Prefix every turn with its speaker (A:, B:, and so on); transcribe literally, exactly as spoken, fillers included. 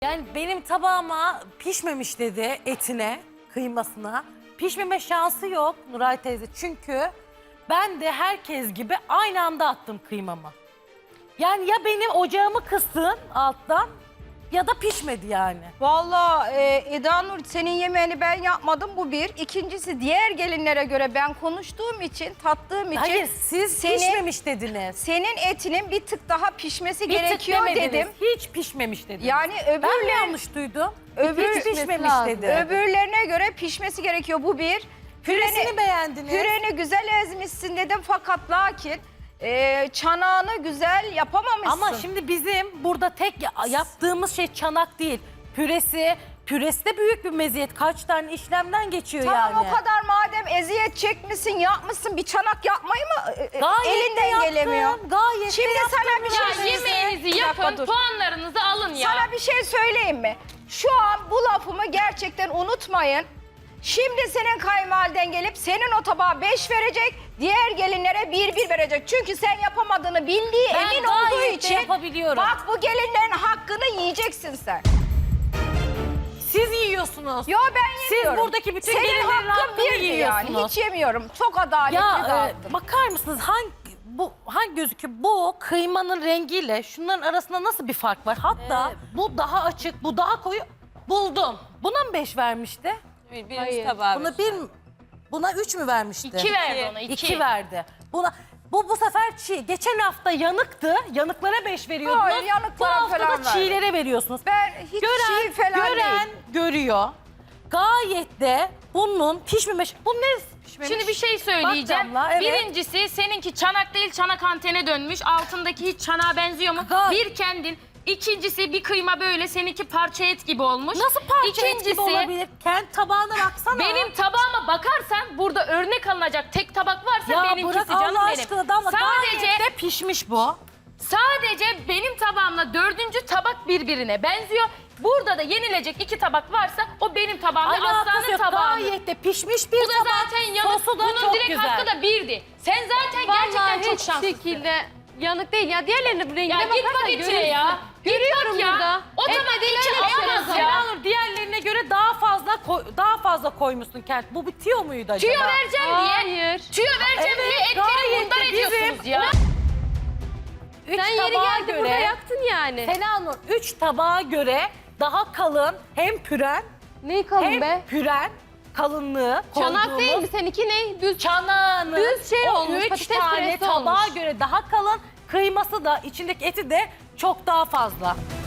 A: Yani benim tabağıma pişmemiş dedi etine, kıymasına. Pişmeme şansı yok Nuray teyze. Çünkü ben de herkes gibi aynı anda attım kıymamı. Yani ya benim ocağımı kıstın alttan ya da pişmedi yani.
B: Vallahi e, Eda Nur senin yemeğini ben yapmadım bu bir. İkincisi diğer gelinlere göre ben konuştuğum için, tattığım için.
A: Hayır siz
B: senin,
A: pişmemiş dediniz.
B: Senin etinin bir tık daha pişmesi
A: Bir tık
B: gerekiyor
A: demediniz,
B: dedim.
A: hiç pişmemiş dediniz.
B: Yani
A: Ben mi
B: öbürler,
A: yanlış duydum?
B: öbür,
A: hiç pişmemiş
C: lazım.
A: dedi.
B: öbürlerine göre pişmesi gerekiyor bu bir.
A: Püresini beğendiniz.
B: Püreni güzel ezmişsin dedim fakat lakin e, çanağını güzel yapamamışsın.
A: Ama şimdi bizim burada tek ya- yaptığımız şey çanak değil. Püresi, püresi de büyük bir meziyet. Kaç tane işlemden geçiyor
B: Tamam
A: yani.
B: o kadar madem eziyet çekmişsin, yapmışsın, bir çanak yapmayı mı e,
A: Gayet de
B: elinden
A: yaptım,
B: gelemiyor?
A: Gayet
B: Şimdi
A: de yaptım.
B: sana bir şey
C: Ya
B: söyleyeyim.
C: yemeğinizi
B: Bir dakika
C: yapın,
B: dur.
C: puanlarınızı alın ya.
B: Sana bir şey söyleyeyim mi? Şu an bu lafımı gerçekten unutmayın. Şimdi senin kayınvaliden gelip senin o tabağa beş verecek, diğer gelinlere bir bir verecek. Çünkü sen yapamadığını bildiği
A: Ben
B: emin
A: gayet
B: olduğu
A: de
B: için
A: yapabiliyorum.
B: bak bu gelinlerin hakkını yiyeceksin sen.
A: Siz yiyorsunuz.
B: Yo ben
A: Siz
B: yemiyorum.
A: buradaki bütün
B: senin
A: gelinlerin
B: hakkın
A: hakkını
B: birdi yani.
A: yiyorsunuz.
B: Hiç yemiyorum. Çok adaletli
A: Ya e,
B: dağıttın.
A: bakar mısınız hangi bu hangi gözüküyor? Bu kıymanın rengiyle şunların arasında nasıl bir fark var? Hatta bu daha açık, bu daha koyu. Buldum. Buna mı beş vermişti?
D: Birinci
C: Hayır.
D: tabağı.
A: Buna bir buna üç mü vermişti?
C: İki verdi ona, iki.
A: İki verdi. Buna bu bu sefer çiğ. Geçen hafta yanıktı. Yanıklara beş veriyordunuz.
B: Hayır, yanıklara
A: bu hafta
B: falan
A: da çiğlere veriyorsunuz.
B: Ben hiç
A: gören,
B: çiğ falan
A: gören
B: değil.
A: görüyor. Gayet de bunun pişmemiş. Bu ne pişmemiş?
C: Şimdi bir şey söyleyeceğim.
A: Bak damla, evet.
C: Birincisi seninki çanak değil çanak antene dönmüş. Altındaki hiç çanağa benziyor mu?
A: Gay-
C: Bir kendin. İkincisi bir kıyma böyle seninki parça et gibi olmuş.
A: Nasıl parça et gibi olabilir? Kendi tabağına baksana.
C: Benim tabağıma bakarsan burada örnek alınacak tek tabak varsa
A: ya
C: benimkisi
A: bırak
C: canım
A: Allah
C: benim.
A: aşkına Damla.
C: Sadece
A: Gayet de pişmiş bu.
C: Sadece benim tabağımla dördüncü tabak birbirine benziyor. Burada da yenilecek iki tabak varsa o benim tabağım ve
A: Alakası
C: Aslan'ın
A: yok.
C: tabağı.
A: Gayet de pişmiş bir
C: Bu da
A: tabak.
C: zaten yanık.
A: Sosu da
C: Bunun
A: çok
C: direkt
A: güzel.
C: hakkı da birdi. Sen zaten gerçekten çok şanslısın.
D: şekilde yanık değil ya. Diğerlerinin rengine
C: Ya git bak içine ya. Git bak ya.
D: burada.
C: O
D: Et
C: tabak
D: dediğin
C: içi
D: öyle bir şey
C: alamaz
D: yok.
C: ya.
A: Selanur diğerlerine göre daha fazla koy- daha fazla koymuşsun kent. Bu bitiyor muydu acaba?
C: Tüyo vereceğim diye.
D: Hayır.
C: Tüyo vereceğim
A: Evet,
C: diye etleri
A: gayet
C: bundan
A: de bizim-
C: ediyorsunuz ya.
A: Üç
D: Sen yeri
A: tabağa
D: geldi burada yaktın yani.
A: Selanur üç tabağa göre daha kalın hem püren
D: Neyi kalın
A: hem
D: be?
A: püren kalınlığı
D: Çanak
A: koyduğumuz
D: değil mi? Seninki ne? Düz.
A: çanağını
D: Düz şey
A: o
D: olmuş,
A: üç
D: patates
A: tane
D: püresi
A: tabağa
D: olmuş.
A: göre daha kalın, kıyması da içindeki eti de çok daha fazla.